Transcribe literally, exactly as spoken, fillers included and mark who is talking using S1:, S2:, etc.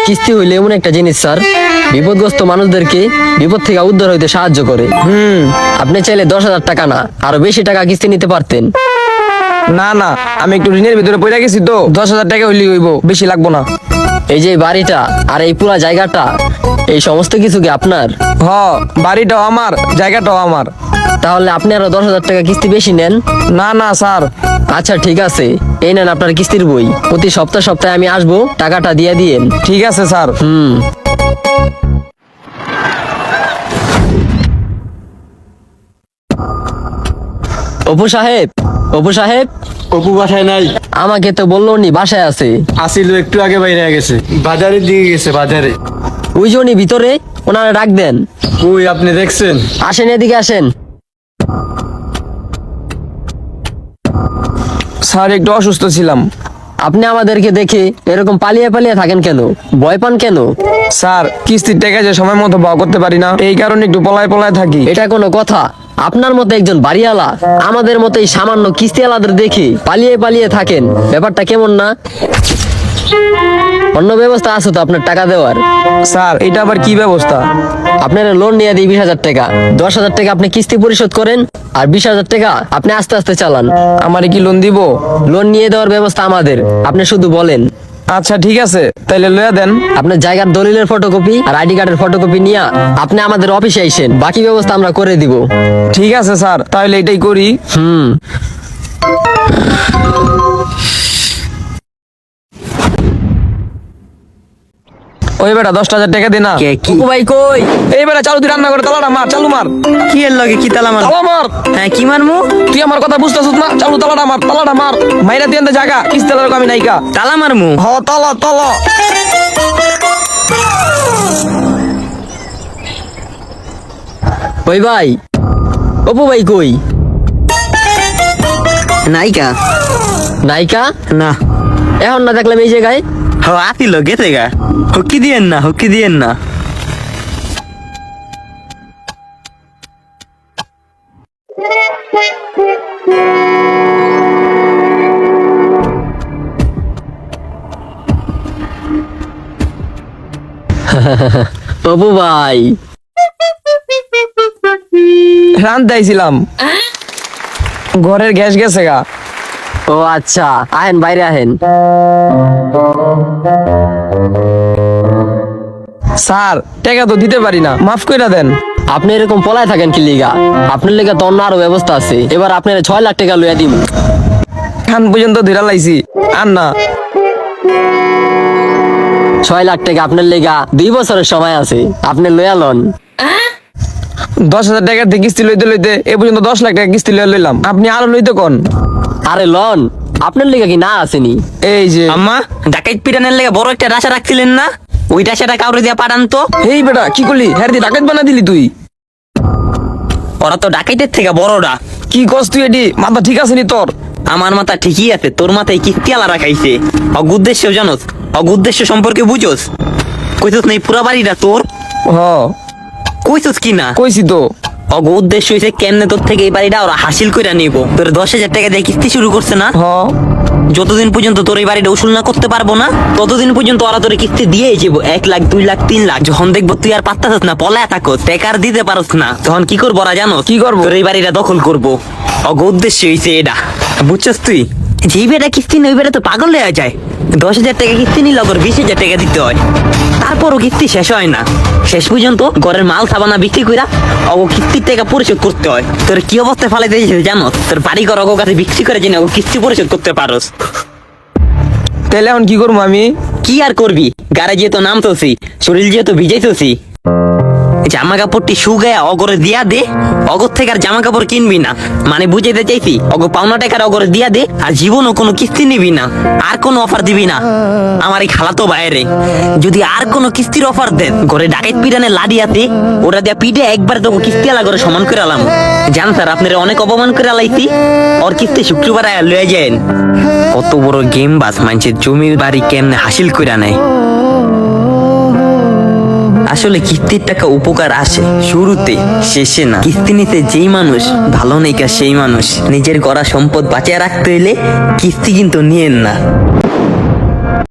S1: কিস্তি হইলে এমন একটা জিনিস স্যার, বিপদগ্রস্ত মানুষদেরকে বিপদ থেকে উদ্ধার হইতে সাহায্য করে।
S2: হুম
S1: আপনি চাইলে দশ হাজার টাকা না আরো বেশি টাকা কিস্তি নিতে পারতেন।
S2: না না, আমি একটু ঋণের ভিতরে পড়ে গেছি তো, দশ হাজার টাকা হইলে হইব, বেশি লাগবো না।
S1: এই যে বাড়িটা আর এই পুরা জায়গাটা, এই সমস্ত কিছু কি আপনার?
S2: হ, বাড়িটাও আমার, জায়গাটাও আমার।
S1: তাহলে আপনি আরো দশ হাজার টাকা কিস্তি বেশি নেন।
S2: না না স্যার।
S1: আচ্ছা ঠিক আছে, এই নেন আপনার কিস্তির বই। প্রতি সপ্তাহ সপ্তাহে আমি আসবো, টাকাটা দিয়ে দিয়েন।
S2: ঠিক আছে স্যার।
S1: হুম। অপু সাহেব, অপু সাহেব,
S3: অপু বাসায় নাই।
S1: আমাকে তো বললো নি বাসায় আছে।
S3: আসিল একটু আগে বাইরে গেছে, বাজারের দিকে গেছে বাজারে।
S1: ওই যে উনি ভিতরে, ওনারা ডাক দেন।
S3: ওই আপনি দেখছেন?
S1: আসেন এদিকে আসেন।
S2: স্যার একটু অসুস্থ ছিলাম।
S1: আপনি আমাদেরকে দেখে এরকম পালিয়ে পালিয়ে থাকেন কেন? ভয় পান কেন?
S2: স্যার কিস্তির টাকা যে সময় মতো পাওয়া করতে পারি না, এই কারণে একটু পলায় পলায় থাকি।
S1: এটা কোনো কথা? আপনার মতো একজন বাড়িওয়ালা আমাদের মতো এই সামান্য কিস্তিওয়ালাদের দেখে পালিয়ে পালিয়ে থাকেন, ব্যাপারটা কেমন না? অন্য ব্যবস্থা আছে তো আপনার টাকা দেওয়ার?
S2: স্যার এটা আবার কি ব্যবস্থা?
S1: আপনার লোন নিয়ে দিই বিশ হাজার টাকা, দশ হাজার টাকা আপনি কিস্তি পরিশোধ করেন, আর বিশ হাজার টাকা আপনি আস্তে আস্তে চালান।
S2: আমারে কি লোন দিব?
S1: লোন নিয়ে দেওয়ার ব্যবস্থা আমাদের, আপনি শুধু বলেন।
S2: আচ্ছা ঠিক আছে, তাইলে লইয়া দেন।
S1: আপনার জায়গার দলিলের ফটোকপি আর আইডি কার্ডের ফটোকপি নিয়ে আপনি আমাদের অফিসে আইসেন, বাকি ব্যবস্থা আমরা করে দিব।
S2: ঠিক আছে স্যার, তাহলে এটাই করি।
S1: হুম।
S2: ওই বেটা দশটা হাজার টাকা দে না।
S1: অপু ভাই কই?
S2: এই বেটা চালু তুই রান্না করে তালাটা মার, চালু মার।
S4: কি এর লগে কি তালা মার?
S2: তালা মার।
S4: হ্যাঁ কি মারমু?
S2: তুই আমার কথা বুঝতেছিস না? চালু তালাটা মার, তালাটা মার। মাইরা দিয়ে দে জায়গা, কিস্তি তালার আমি নাইকা।
S4: তালা মারমু?
S2: হ তালা তালা।
S1: ওই ভাই, অপু ভাই কই?
S4: নাইকা?
S1: নায়িকা
S4: না।
S1: এখন না দেখলাম এই জায়গায়।
S4: হ আতিল গেছে গা। হকি দিয়েন না, হকি দিয়েন না।
S1: অপু ভাই,
S2: রান্তে আইছিলাম, ঘরের গ্যাস গেছে গা।
S1: ও আচ্ছা, আহেন বাইরে আহেন।
S2: স্যার টাকা তো দিতে পারি না, মাফ কইরা দেন।
S1: আপনি এরকম পলায় থাকেন কি লিগা? আপনার লিগা তো অন্য আরো ব্যবস্থা আছে। এবার আপনার ছয় লাখ টাকা লইয়া দিব।
S2: খান পর্যন্ত ধীরা লাইছি, আর না।
S1: ছয় লাখ টাকা আপনার লিগা দুই বছরের সময় আছে, আপনি লইয়া লন।
S2: দশ হাজার টাকার থেকে কিস্তি লইতে লইতে এ পর্যন্ত দশ লাখ টাকা কিস্তি লইয়া লইলাম, আপনি আরো লইতে কোন?
S1: আরে লন, আপনার লিগা কি না আসেনি?
S2: এই যে
S4: আম্মা ডাকাইত পিরানের লেগে বড় একটা রাশা রাখছিলেন না, ওই রাশাটা কাউরে দিয়া পাঠান তো।
S2: এই বেটা কি করলি? হ্যাঁ দি ডাকাত বানা দিলি তুই।
S4: ওরা তো ডাকাইতের থেকে বড়রা।
S2: কি কস তুই? এডি মাথা ঠিক আছে নি তোর?
S4: আমার মাথা ঠিকই আছে, তোর মাথায় কিস্তি আলা রাখাইছে। অগ উদ্দেশ্য জানোস? অগ উদ্দেশ্য সম্পর্কে বুঝোস? কইছস না এই পুরা বাড়িটা তোর?
S2: হ
S4: কইছস কি না?
S2: কইছি তো।
S4: অগ উদ্দেশ্য হইছে কেমনে তোর থেকে এই বাড়িটা ওরা হাসিল কইরা নিব। তোর দশ হাজার টাকা দিয়ে কিস্তি শুরু করছে না?
S2: হ
S4: যতদিন পর্যন্ত তোর এই বাড়িটা উসুল না করতে পারবো না, ততদিন পর্যন্ত ওরা তোর কিস্তি দিয়েই যাবো। এক লাখ, দুই লাখ, তিন লাখ। যখন দেখবো তুই আর পাত্তাছিস না, পলায় থাকো, টেকার দিতে পারস না, তখন কি করবো ওরা জানো?
S2: কি করবো?
S4: তোর এই বাড়িটা দখল করবো। অগ উদ্দেশ্য হইছে এটা, বুঝছস তুই? যেই বেটা কিস্তি নেই, ওই বেটা তো পাগল হয়ে যায়। দশ হাজার টাকা কিস্তি নিলে ওর বিশ হাজার টাকা দিতে হয়, তারপরও কিস্তি শেষ হয় না। শেষ পর্যন্ত ঘরের মাল সাবানা বিক্রি কইরা অগ কিস্তির টাকা পরিশোধ করতে হয়। তোর কি অবস্থায় ফালাইতে জানো? তোর বাড়ি ঘর অগ কাছে বিক্রি করে জেনে অগ কিস্তি পরিশোধ করতে পারোস।
S2: তাহলে এখন কি করবো আমি?
S4: কি আর করবি? গাড়ি যেহেতু নামতেছি, শরীর যেহেতু ভিজাইতেছি, জামা কাপড়টি শুকায় অগরে দিয়া দে। অগর থেকে আর জামা কাপড় কিনবি না, মানে বুঝাইতে চাইছি অগ পাওনা টাকার অগরে দিয়া দে, আর জীবনও কোনো কিস্তি নিবি না, আর কোনো অফার দিবি না। আমার এই খালাতো বাইরে যদি আর কোনো কিস্তির অফার দেন, ঘরে ডাকাইত পিটানে লাডিয়াতে ওরা দিয়া পিঠে একবার তোকে কিস্তি আলা করে সমান করে আলাম। জান স্যার আপনারা অনেক অপমান করে আলাইছি, ওর কিস্তি শুক্রবার লয়ে যায়। কত বড় গেম বাস, মানুষের জমির বাড়ি কেমনে হাসিল করে নেয়। আসলে কিস্তির টাকা উপকার আসে শুরুতে, শেষে না। কিস্তি নিতে যেই মানুষ ভালো নেই, সেই মানুষ নিজের গড়া সম্পদ বাঁচিয়ে রাখতে হইলে কিস্তি কিন্তু নিয়েন না।